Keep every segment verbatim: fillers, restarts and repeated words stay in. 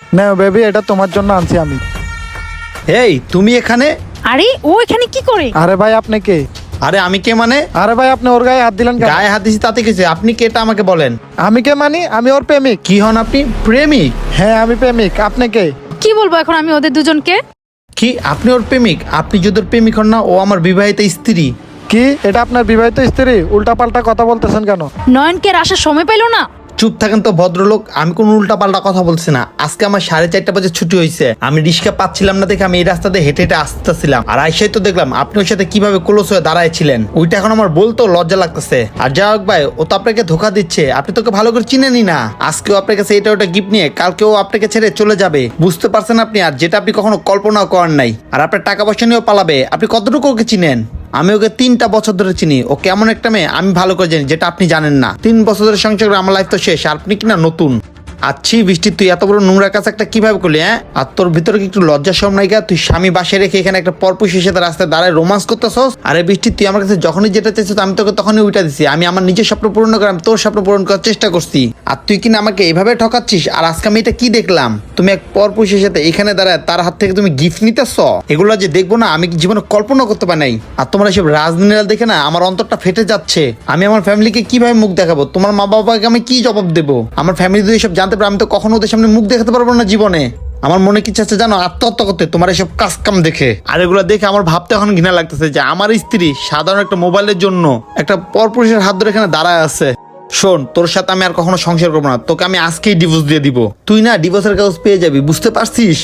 নাও baby, এটা তোমার জন্য আনছি আমি। এই তুমি এখানে? আরে ও এখানে কি করে? আরে ভাই আপনি কে? আরে আমি কে মানে? আরে ভাই আপনি ওর গায়ে হাত দিলেন কেন? গায়ে হাত দিছি তাতে কিছু, আপনি কে এটা আমাকে বলেন। আমি কে মানি? আমি ওর প্রেমিক। কি হন আপনি? প্রেমিক? হ্যাঁ আমি প্রেমিক। আপনি কে? কি বলবো এখন আমি ওদের দুজনকে? কি আপনি ওর প্রেমিক? আপনি যদি ওর প্রেমিক হন না, ও আমার বিবাহিত স্ত্রী। কি এটা আপনার বিবাহিত স্ত্রী? উল্টা পাল্টা কথা বলতেছেন কেন? নয়নকে আর আসার সময় পেলো না? চুপ থাকেন তো ভদ্রলোক, আমি কোনো উল্টা পাল্টা কথা বলছি না। আজকে আমার সাড়ে চারটা বাজে ছুটি হয়েছে, আমি রিক্সা পাচ্ছিলাম না দেখে আমি এই রাস্তাতে হেঁটে হেঁটে আসতেছিলাম, আর আইসাই তো দেখলাম আপনি ওর সাথে কিভাবে ক্লোজ হয়ে দাঁড়াইছিলেন। ওইটা এখন আমার বলতো লজ্জা লাগতেছে। আর যাই হোক ভাই, ও তো আপনাকে ধোকা দিচ্ছে, আপনি তোকে ভালো করে চিনেনি না। আজকেও আপনার কাছে এটা ওটা গিফট নিয়ে কালকেও আপনাকে ছেড়ে চলে যাবে, বুঝতে পারছেন আপনি? আর যেটা আপনি কখনো কল্পনাও করেন নাই। আর আপনার টাকা পয়সা নিয়েও পালাবে। আপনি কতটুকু ওকে চিনেন? আমি ওকে তিনটা বছর ধরে চিনি। ও কেমন একটা মেয়ে আমি ভালো করে জানি, যেটা আপনি জানেন না। তিন বছর ধরে সংসার করে আমার লাইফ তো শেষ, আর আপনি কিনা নতুন। আচ্ছি বৃষ্টি, তুই এত বড় নোংরা কাজ একটা কিভাবে করলি? হ্যাঁ, আর তোর ভিতরে কি একটু লজ্জা শরম নাই গা? তুই স্বামী বাসায় রেখে এখানে একটা পরপুষের সাথে রাস্তায় দাঁড়ায় রোমান্স করতেছস? আরে বৃষ্টি, তুই আমার কাছে যখনই যেটা চাইছিস আমি তোকে তখনই উইটা দিছি। আমি আমার নিজের স্বপ্ন পূরণ করে আমি তোর স্বপ্ন পূরণ করার চেষ্টা করছি, আর তুই কিনা আমাকে এইভাবে ঠকাচ্ছিস। আর আজকে আমি এটা কি দেখলাম? তুমি এক পরপুষের সাথে এখানে দাঁড়ায় তার হাত থেকে তুমি গিফট নিতেছ? এগুলো যে দেখবো না আমি জীবনে কল্পনা করতে পারি নাই। আর তোমরা এসব রাজনীতিরা দেখে না আমার অন্তরটা ফেটে যাচ্ছে। আমি আমার ফ্যামিলিকে কিভাবে মুখ দেখাবো? তোমার মা বাবাকে আমি কি জবাব দেবো? আমার ফ্যামিলি যদি সব জানতে পারে আমি তো কখনো ওদের সামনে মুখ দেখাতে পারবো না জীবনে। আমার মনে কি চাচ্ছে জানো? আত্মহত্যা করতে, তোমার এসব কাজ কাম দেখে। আর এগুলো দেখে আমার ভাবতে এখন ঘৃণা লাগতেছে যে আমার স্ত্রী সাধারণ একটা মোবাইলের জন্য একটা পরপুরুষের হাত ধরে এখানে দাঁড়ায় আছে। শোন, তোর সাথে আমি আর কখনো সংসার করবো না, তোকে আমি আজকেই ডিভোর্স দিয়ে দিব। তুই না ডিভোর্সের কাগজ পেয়ে যাবি, বুঝতে পারছিস?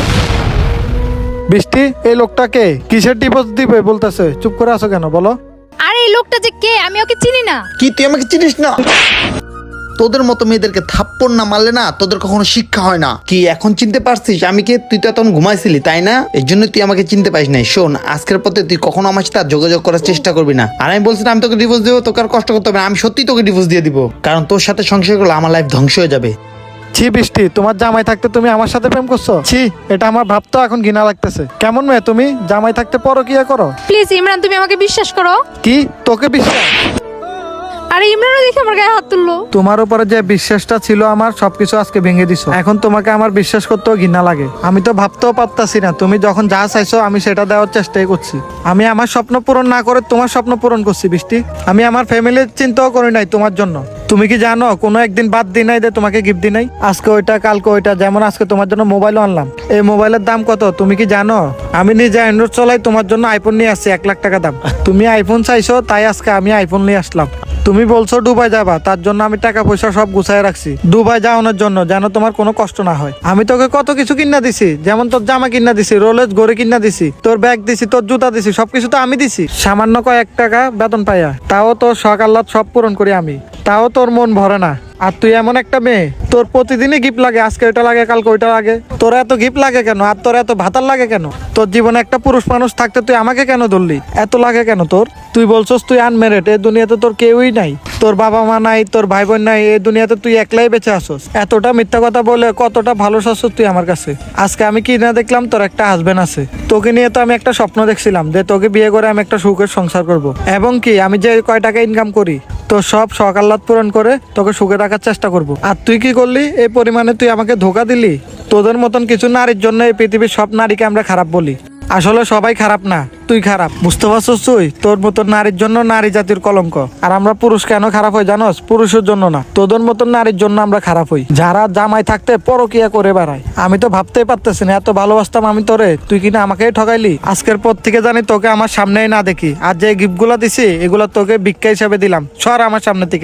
বৃষ্টি, এই লোকটাকে কিসের ডিভোর্স দিবে বলতেছে? চুপ করে আছো কেন বলো? আরে এই লোকটা যে কে, আমি ওকে চিনি না। কি তুই আমাকে চিনিস না? তোদের মতো মেয়েদেরকে থাপ্পড় না মারলে না তোদের কখনো শিক্ষা হয় না। কি এখন চিনতে পারছিস আমি কে? তুই তো তখন ঘুমাইছিলি তাই না? এই জন্য তুই আমাকে চিনতে পারিস নাই। শোন, আজকের পথে তুই কখনো আমার সাথে আর যোগাযোগ করার চেষ্টা করবি না। আর আমি বলছি না আমি তোকে ডিভোর্স দেবো, তোকে আর কষ্ট করতে হবে না। আমি সত্যি তোকে ডিভোর্স দিয়ে দিব, কারণ তোর সাথে সংসার করলে আমার লাইফ ধ্বংস হয়ে যাবে। ছি বৃষ্টি, তোমার জামাই থাকতে তুমি আমার সাথে প্রেম করছো? ছি, এটা আমার ভাবতো এখন ঘৃণা লাগতেছে। কেমন মেয়ে তুমি? জামাই থাকতে পরকিয়া করো? প্লিজ ইমরান, তুমি আমাকে বিশ্বাস করো। কি তোকে বিশ্বাস? আরে ইমরানও দেখে আমার গায়ে হাত তুললো। তোমার উপরে যে বিশ্বাসটা ছিল আমার, সবকিছু আজকে ভেঙে দিছো। এখন তোমাকে আমার বিশ্বাস করতেও ঘৃণা লাগে। আমি তো ভাবতেও পারতাছি না, তুমি যখন যা চাইছো আমি সেটা দেওয়ার চেষ্টাই করছি। আমি আমার স্বপ্ন পূরণ না করে তোমার স্বপ্ন পূরণ করছি বৃষ্টি। আমি আমার ফ্যামিলির চিন্তাও করি নাই তোমার জন্য। তুমি কি জানো কোনো একদিন বাদ দিই নাই যে তোমাকে গিফট দিই নাই? আজকে ওইটা কালকে ওইটা, যেমন আজকে তোমার জন্য মোবাইলও আনলাম। এই মোবাইলের দাম কত তুমি কি জানো? আমি নিজে অ্যান্ড্রয়েড চলাই, তোমার জন্য আইফোন নিয়ে আসছি এক লাখ টাকা দাম। তুমি আইফোন চাইছো তাই আজকে আমি আইফোন নিয়ে আসলাম। তুমি বলছো দুবাই যাবা, তার জন্য আমি টাকা পয়সা সব গুছাই রাখছি দুবাই যাওয়ানোর জন্য, যেন তোমার কোনো কষ্ট না হয়। আমি তোকে কত কিছু কিনা দিছি, যেমন তোর জামা কিনা দিছি, রোলেজ ঘড়ি কিনা দিছি, তোর ব্যাগ দিছি, তোর জুতা দিছি, সবকিছু তো আমি দিছি। সামান্য কয়েক টাকা বেতন পাইয়া, তাও তোর শখ আহ্লাদ সব পূরণ করি আমি, তাও তোর মন ভরে না। আর তুই এমন একটা মেয়ে, তোর প্রতিদিনই গিফট লাগে, আজকে ওইটা লাগে কালকে ওইটা লাগে। তোর এত গিফট লাগে কেন? আর তোর এত ভাতার লাগে কেন? তোর জীবনে একটা পুরুষ মানুষ থাকতে তুই আমাকে কেন ধরলি? এত লাগে কেন তোর? তুই বলছস তুই আনমেরিড, এই দুনিয়াতে তোর কেউই নাই, তোর বাবা মা নাই, তোর ভাই বোন নাই, এই দুনিয়াতে তুই একলাই বেঁচে আসস। এতটা মিথ্যা কথা বলে কতটা ভালো শাসস তুই আমার কাছে। আজকে আমি কি না দেখলাম তোর একটা হাজবেন্ড আছে। তোকে নিয়ে তো আমি একটা স্বপ্ন দেখছিলাম যে তোকে বিয়ে করে আমি একটা সুখের সংসার করব, এবং কি আমি যে কয় টাকা ইনকাম করি তোর সব শখ আহ্লাদ পূরণ করে তোকে সুখে রাখার চেষ্টা করব। আর তুই কি করলি? এই পরিমাণে তুই আমাকে ধোকা দিলি। তোদের মতন কিছু নারীর জন্য এই পৃথিবীর সব নারীকে আমরা খারাপ বলি। আসলে সবাই খারাপ না, তুই খারাপ, বুঝতে পারছস? তুই তোর মতন নারীর জন্য নারী জাতির কলঙ্ক। আর আমরা পুরুষ কেন খারাপ হই জানোস? পুরুষের জন্য না, তোদের মতন নারীর জন্য আমরা খারাপ হই, যারা জামাই থাকতে পরকিয়া করে বেড়ায়। আমি তো ভাবতেই পারতেছি না, এত ভালোবাসতাম আমি তোরে, তুই কিনা আমাকেই ঠকাইলি। আজকের পর থেকে জানি তোকে আমার সামনেই না দেখি। আর যে গিফট গুলা দিছি এগুলা তোকে ভিক্ষা হিসাবে দিলাম, সর আমার সামনে থেকে।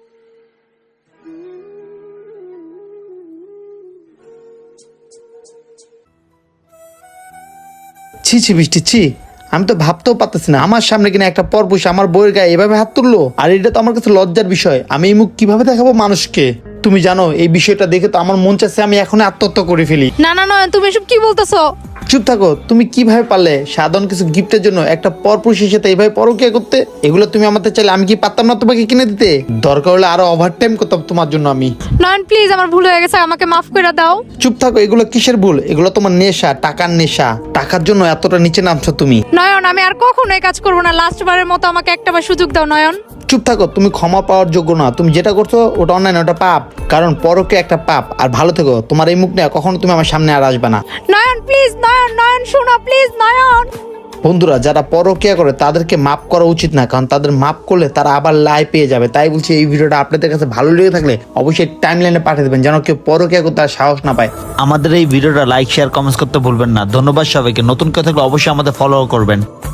ছি ছি বৃষ্টি, ছি, আমি তো ভাবতেও পারতেছি না আমার সামনে কিনা একটা পরপুরুষ আমার বউয়ের গায়ে এভাবে হাত তুললো। আর এটা তো আমার কাছে লজ্জার বিষয়। আমি এই মুখ কিভাবে দেখাবো মানুষকে? তুমি জানো এই বিষয়টা দেখে তো আমার মন চাচ্ছে আমি এখন আত্মহত্যা করে ফেলি। না না নয়ন, তুমি এসব কি বলতেছো? চুপ থাকো। তুমি কিভাবে পারলে সাধারণ কিছু গিফটের জন্য একটা পরপুরুষের সাথে এইভাবে পরকিয়া করতে? এগুলো তুমি আমাকে চাইলে আমি কি পারতাম না তোমাকে কিনে দিতে? দরকার হলে আরো ওভার টাইম করতাম তোমার জন্য আমি। নয়ন প্লিজ, আমার ভুল হয়ে গেছে, আমাকে মাফ করে দাও। চুপ থাকো। এগুলো কিসের ভুল? এগুলো তোমার নেশা, টাকার নেশা। টাকার জন্য এতটা নিচে নামছো তুমি। নয়ন, আমি আর কখনো এই কাজ করবো না। লাস্ট বারের মতো আমাকে একটা বার সুযোগ দাও নয়ন। চুপ থাকো, তুমি ক্ষমা পাওয়ার যোগ্য না। তুমি যেটা করছো ওটা অন্যায় না, ওটা পাপ। কারণ পরকে একটা পাপ। আর ভালো থেকো, তোমার এই মুখ নিয়ে কখনো তুমি আমার সামনে আর আসবে না। নয়ন প্লিজ, নয়ন নয়ন শোনো প্লিজ, নয়ন। বন্ধুরা, যারা পরকিয়া করে তাদেরকে মাফ করা উচিত না, কারণ তাদের মাফ করলে তারা আবার লাই পেয়ে যাবে। তাই বলছি, এই ভিডিওটা আপনাদের কাছে ভালো লেগে থাকলে অবশ্যই টাইম লাইনে পাঠিয়ে দেবেন, যেন কেউ পরকিয়া করতে আর সাহস না পায়। আমাদের এই ভিডিওটা লাইক শেয়ার কমেন্টস করতে ভুলবেন না। ধন্যবাদ সবাইকে। নতুন কেউ থাকলে অবশ্যই আমাদের ফলো করবেন।